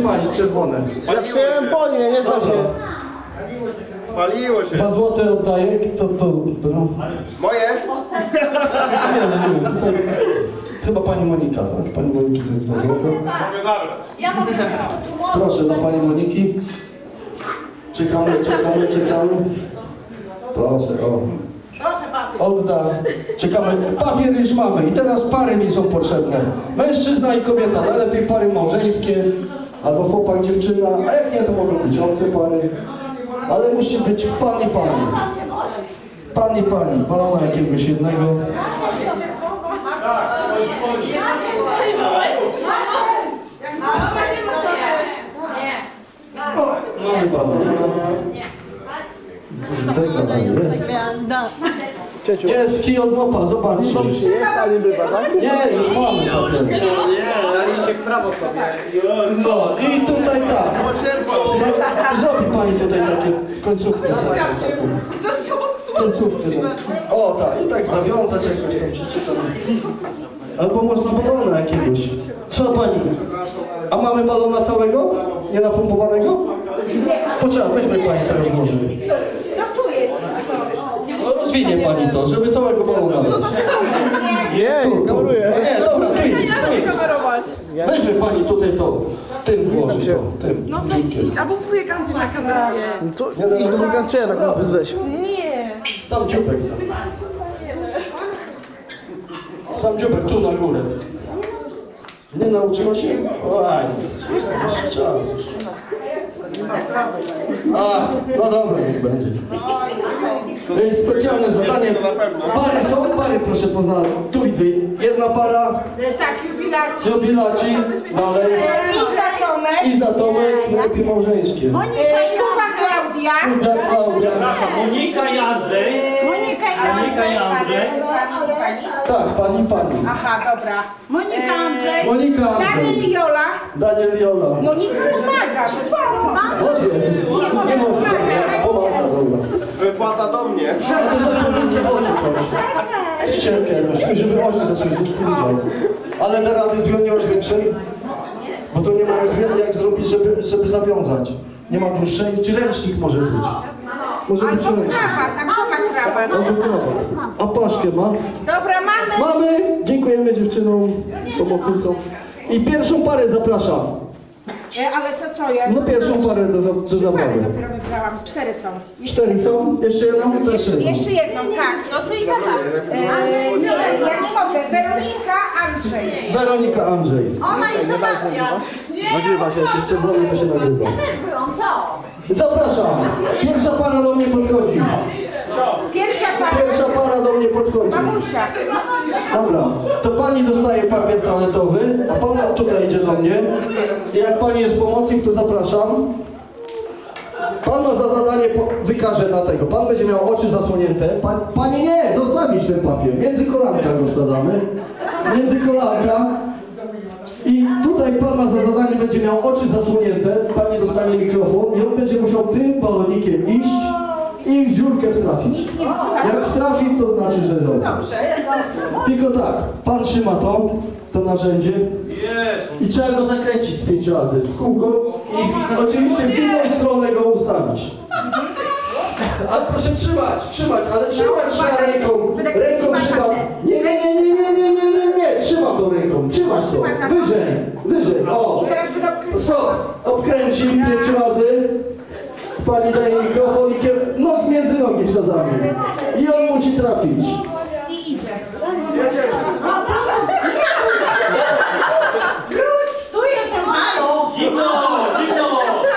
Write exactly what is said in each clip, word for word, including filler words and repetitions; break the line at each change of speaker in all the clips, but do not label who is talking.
palić czerwone.
Ja przyjąłem po nie, nie znam się.
Paliło się.
Dwa złote oddaję, to to. No.
Moje?
Nie, nie, nie, tutaj. Chyba pani Monika, tak? Pani Moniki to jest dwa złote.
Mogę zabrać.
Ja mogę.
Proszę dla pani Moniki. Czekamy, czekamy, czekamy. Proszę, o.
Proszę bardzo.
Odda. Czekamy. Papier już mamy i teraz pary mi są potrzebne. Mężczyzna i kobieta, najlepiej pary małżeńskie, albo chłopak, dziewczyna, a jak nie, to mogą być obce pary. Ale musi być pan i pani. Pan i pani, balona jakiegoś jednego. Mamy balonika. Zużytego, ale jest.
Cieciu.
Jest kij od mopa, zobaczcie.
Jest, a nie bywa, tak?
Nie, już mamy papier.
Nie, daliście w prawo sobie.
No i tutaj tak. Zro- Zrobi pani tutaj takie końcówki. Końcówki. No. O tak, i tak zawiązać jakoś tam przeczytam. Albo można balona jakiegoś. Co pani? A mamy balona całego? Nie napompowanego? Poczekaj, weźmy pani teraz może.
No tu jest.
No, rozwinie pani to, żeby całego balona dać.
Nie,
Tu, tu.
ignoruję.
Nie, dobra, tu jest, tu jest. Weźmy pani tutaj to, tym włoży to, tym.
No weź, albo wujek Andrzej na kamerę.
To idź do Bułgarczyka, tak naprawdę weź.
Nie.
Sam dziubek. Sam dziubek tu na górę. Nie nauczyła się? Oj, jeszcze czas już. A, no dobra, niech będzie. Jest specjalne zadanie. Pary są, pary proszę poznać. Tu widzę, jedna para,
Tak, jubilaci.
jubilaci, dalej.
Iza Tomek.
Iza Tomek, najlepiej małżeńskie.
Kuba Klaudia.
Kuba, Klaudia.
Monika i Andrzej.
Monika i
Monika i Andrzej.
Tak, pani, pani.
Aha, dobra. Monika Andrzej.
Monika,
Daniel
Andrzej.
i Jola.
Daniel Jola.
Monika pomaga.
Może, nie może, nie, pomaga, dobra.
Wypłata do mnie.
Ale zasłonięcie oczy proszę. Ścierkę jakoś, żeby oczy zasłonić, nie widział. Ale da rady związać większej? Bo to nie ma jak zrobić, żeby, żeby zawiązać. Nie ma dłuższej, czy ręcznik może być? Może być
Albo
ręcznik.
krawat, a kto ma krawat?
Albo krawat. A paszkę ma?
Dobra, mamy.
Mamy! Dziękujemy dziewczynom, pomocnicom. I pierwszą parę zapraszam.
E, ale to co ja?
No pierwszą parę do, za- do
Trzy pary
zabawy.
dopiero wybrałam. Cztery są.
Cztery są? Jeszcze jedną? Też jedną.
Jeszcze jedną, tak. No to i gada. E, nie, ja nie mogę. Weronika, Andrzej.
Weronika Andrzej.
Ona i Sebastian.
Nagrywa się, jakieś czerwone to się nagrywa.
Byłam, co?
Zapraszam! Pierwsza para do mnie podchodzi.
Pierwsza para.
Pierwsza para do mnie podchodzi.
Mamusia.
Dobra, to pani dostaje papier toaletowy, a pan tutaj idzie do mnie. I jak pani jest pomocnik, to zapraszam. Pan ma za zadanie, po- wykaże na tego. Pan będzie miał oczy zasłonięte. Pan, pani nie, zostawić ten papier. Między kolanka go wsadzamy. Między kolanka. I tutaj pan ma za zadanie, będzie miał oczy zasłonięte. Pani dostanie mikrofon i on będzie musiał tym balonikiem iść i w dziurkę wtrafić. Jak wtrafi, to znaczy, że dobrze. Tylko tak, pan trzyma to, to narzędzie i trzeba go zakręcić z pięć razy w kółko i oczywiście w inną stronę go ustawić. Ale proszę trzymać, trzymać, ale trzymać trzeba ręką, ręką trzymać. Nie, nie, nie, nie, nie, nie, nie, nie, nie, trzymam to ręką, trzymać to, wyżej, wyżej, o. Stop, obkręci pięć razy. Pani daje mikrofon i kier... Nóg między nogi wsadzamy. I on musi trafić.
I idzie.
Wróć, tu jestem, halo!
Zimno, zimno.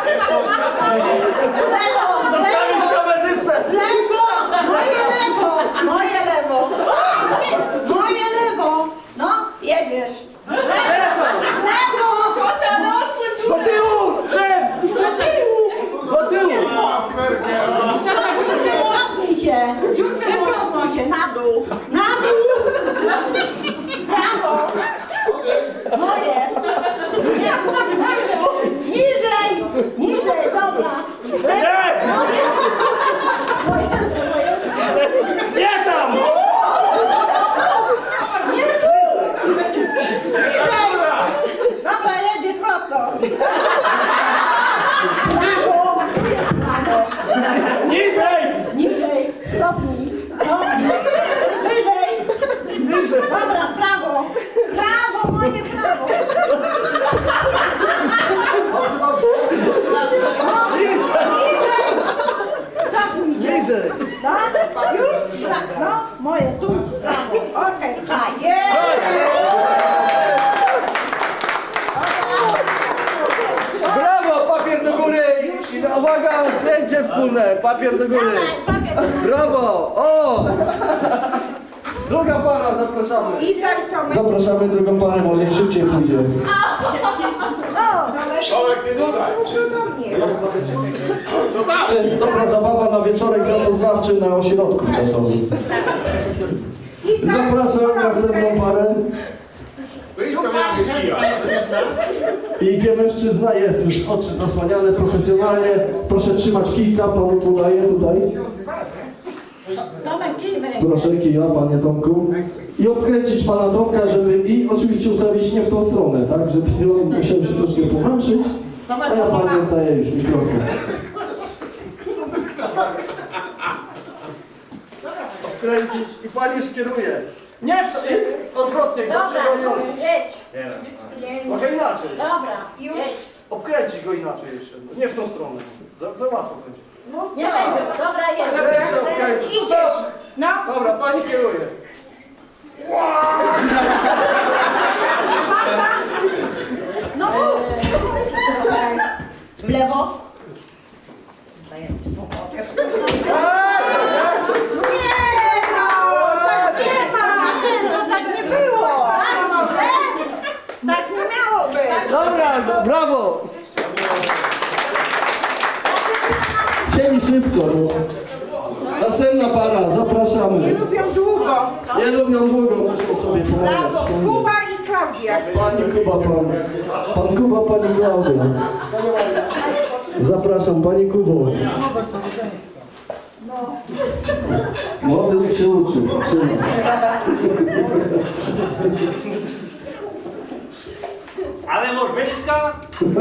Lewo,
Zostawić
lewo,
kamerzystę!
lewo, moje lewo, moje lewo, moje lewo, no, jedziesz. Lewo, lewo,
Ciocia, no odsłoń
Do tyłu! Przed!
do tyłu,
Do tyłu!
wyprostuj się, wyprostuj się na dół.
Zdjęcie wspólne, papier do góry.
Dawaj, papier.
Brawo! O!
Druga para, zapraszamy.
I Tomek.
Zapraszamy drugą parę, może szybciej pójdzie.
O,
Tomek, ty tutaj.
To jest dobra zabawa na wieczorek zapoznawczy na ośrodku wczasowym. Zapraszam następną parę.
To idź tam jakieś kija.
I gdzie mężczyzna jest, już oczy zasłaniane profesjonalnie. Proszę trzymać kijka, panu podaję tutaj.
Tomek, kij w rękę.
Proszę kija, panie Tomku. I obkręcić pana Tomka, żeby i oczywiście ustawić nie w tą stronę, tak? Żeby on musiał się troszkę pomęczyć. A ja panu daję już mikrofon. Obkręcić i pani już kieruje. Nie, w to, nie, odwrotnie,
Dobra,
zaprzegoniony.
jedź.
Trochę inaczej.
Dobra, już.
Obkręcić go inaczej jeszcze. Nie w tą stronę. Za, za łatwo będzie.
Nie będzie. Dobra, jedź.
Jeszcze obkręcić.
Idziesz. No.
Dobra, pani kieruje.
No mów. W lewo. Nie no, tak nie ma. To tak nie było. Tak nie miało być.
Dobra, brawo!
Chcieli szybko. No. Następna para, zapraszamy.
Lubią długo.
Nie lubią długo, muszą sobie pomagać.
Brawo, Kuba i Klaudia.
Pani Kuba, pan. Pan Kuba, pani Klaudia. Zapraszam, pani Kubo. Młody niech się uczy. Trzyma.
Ale możyczka?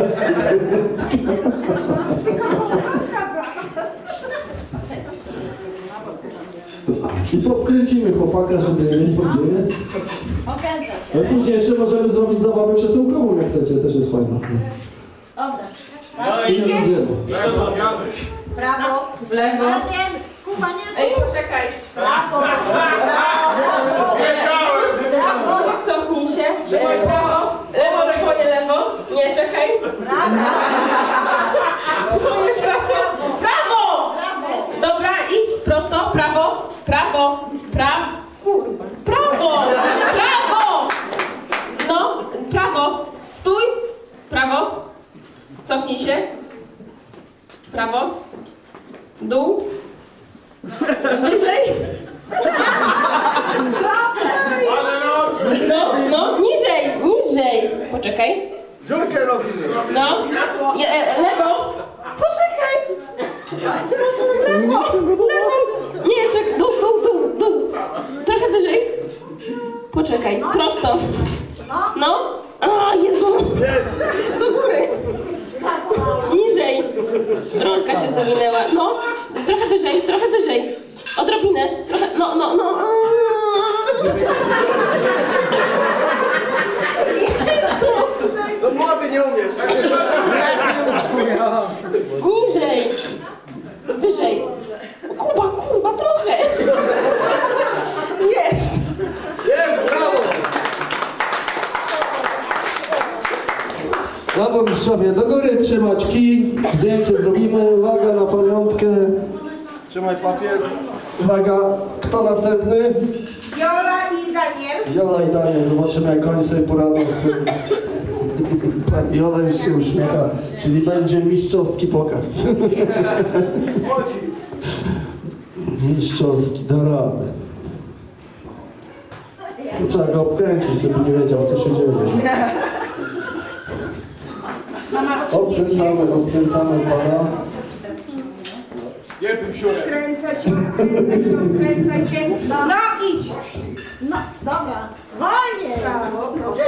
I podkręcimy chłopaka, żeby nie wiedział, gdzie jest.
Okręcę.
Ale później jeszcze możemy zrobić zabawę krzesełkową, jak chcecie, też jest fajna.
Dobra.
No
I
i
nie będziemy.
Lewo, jadę.
Prawo.
W lewo.
Ładnie. Kuba, nie
Ej,
tu.
poczekaj.
Prawo.
Prawo, cofnij się. E, prawo, lewo, twoje lewo. Nie, czekaj. Twoje prawo. Prawo! Dobra, idź prosto. Prawo, prawo, prawo. Kurwa. Prawo! Prawo! No, prawo. Stój. Prawo. Cofnij się. Prawo. Dół. Wyżej.
Ale na oczy.
No, no, niżej, niżej. Poczekaj.
Dziurkę robimy.
No. Je, e, lewo. Poczekaj. Lewo, lewo. Nie, czekaj. Dół, dół, dół, dół. Trochę wyżej. Poczekaj. Prosto. No. A, Jezu. Do góry. Niżej. Rączka się zawinęła. No. Trochę wyżej, trochę wyżej. Odrobinę. Trochę. No, no, no. Jezu.
No młody nie umiesz.
Niżej. Wyżej. Kuba, Kuba, trochę. Jest.
Jest, brawo. Brawo mistrzowie, do góry trzymać kij. Zdjęcie zrobimy. Uwaga na pamiątkę. Trzymaj papier. Uwaga, kto następny?
Jola i Daniel.
Jola i Daniel, zobaczymy jak oni sobie poradzą z tym. Pani Jola już się uśmiecha, czyli będzie mistrzowski pokaz. Mistrzowski, da radę. Tu trzeba go obkręcić, żeby nie wiedział co się dzieje. Obkręcamy, obkręcamy pana.
Jestem siurem.
Kręcę się, kręcę się, kręcę się. No idź. No, dobra. Wolnie. Prawo, prosto.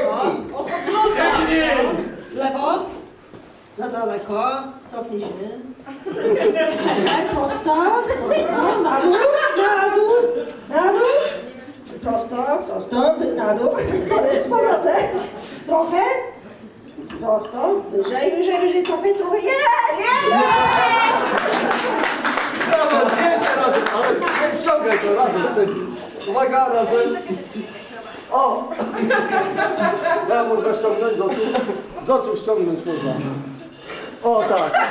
Lewo, za daleko, cofnij się. Czekaj, prosto, prosto, na dół, na dół, na dół. Prosto, prosto, na dół. Co jest z powrotem? Trochę. Prosto, wyżej, wyżej, wyżej, trochę, trochę. Jest! Jest!
Brawo, zdjęcie razem, ale nie ściągaj to razem z tym. Uwaga, razem. O! Ja można ściągnąć z oczu. Z oczu ściągnąć można.
O tak.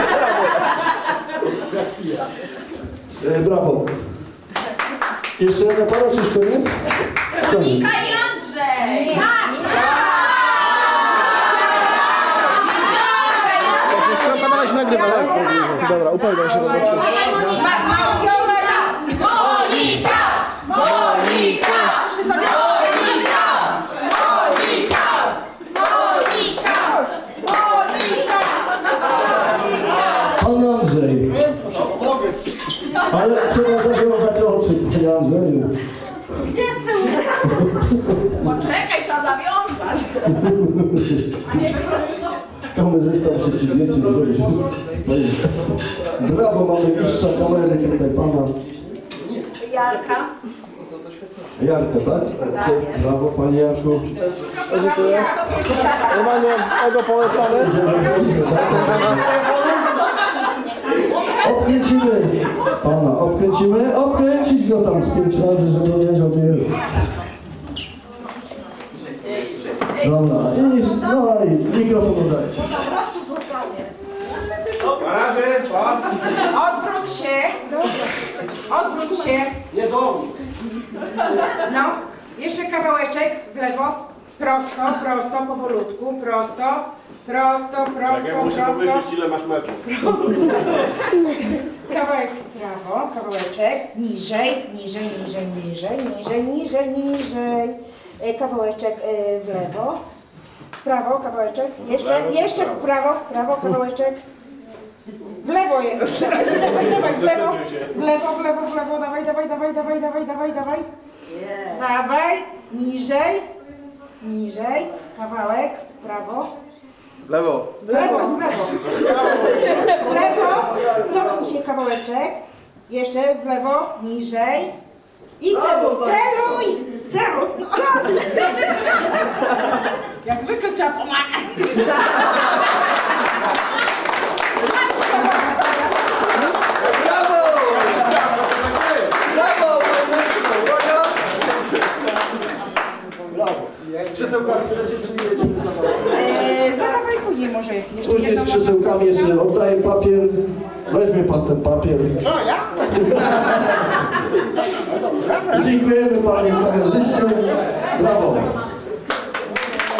E, brawo. Jeszcze jedna para, czy już koniec? Koniec.
Monika i Andrzej!
Skąd pana się nagrywa, tak? Dobra, upewniam się do was.
Ma- Mariola!
Monika! Monika!
Przy sobie.
Pan Andrzej. Ale trzeba zawiązać oczy, panie Andrzeju.
Gdzie jest tył?
Poczekaj, trzeba zawiązać. A nie,
Kamerzysta muszę ci zdjęcie zrobić. Brawo, mamy mistrza kamery tutaj, pana
Jarka.
Jarka, tak? Brawo, panie Jarku.
Dziękuję. Normalnie ego polecamy.
Obkręcimy pana, obkręcimy, obkręcić go tam z pięć razy, żeby wiedział, gdzie jest. Dobra, i, no i mikrofon oddaję.
Na razie, pa.
Odwróć się. Odwróć się.
Nie do
No. Jeszcze kawałeczek w lewo. Prosto, prosto, powolutku. Prosto. Prosto,
Jak
prosto,
ja muszę
prosto.
pomyśleć, ile masz metrów.
Kawałek w prawo, kawałeczek. Niżej, niżej, niżej, niżej, niżej, niżej, niżej. E, Kawałeczek e, w lewo. W prawo, kawałeczek. Jeszcze, jeszcze w prawo, w prawo, kawałeczek. W lewo jest. Dawaj, dawaj, dawaj, w lewo. W lewo, w lewo, w lewo. Dawaj, dawaj, dawaj, dawaj, dawaj, dawaj, dawaj. Dawaj, niżej, niżej. Kawałek w prawo.
Lewo.
W lewo, w lewo. W lewo. Cofnij się kawałeczek. Jeszcze w lewo, niżej. I celuj, celuj! Celuj! No, jak zwykle trzeba pomagać.
Brawo! Uwaga! Brawo. Krzesełkami chcecie, czy nie jedziemy za mną?
Eee, Zabawaj później może jeszcze
Później z
jedną
krzesełkami jeszcze oddaję papier. Weźmie pan ten papier.
Co, ja?
Dziękujemy panie kamerzyście. Brawo.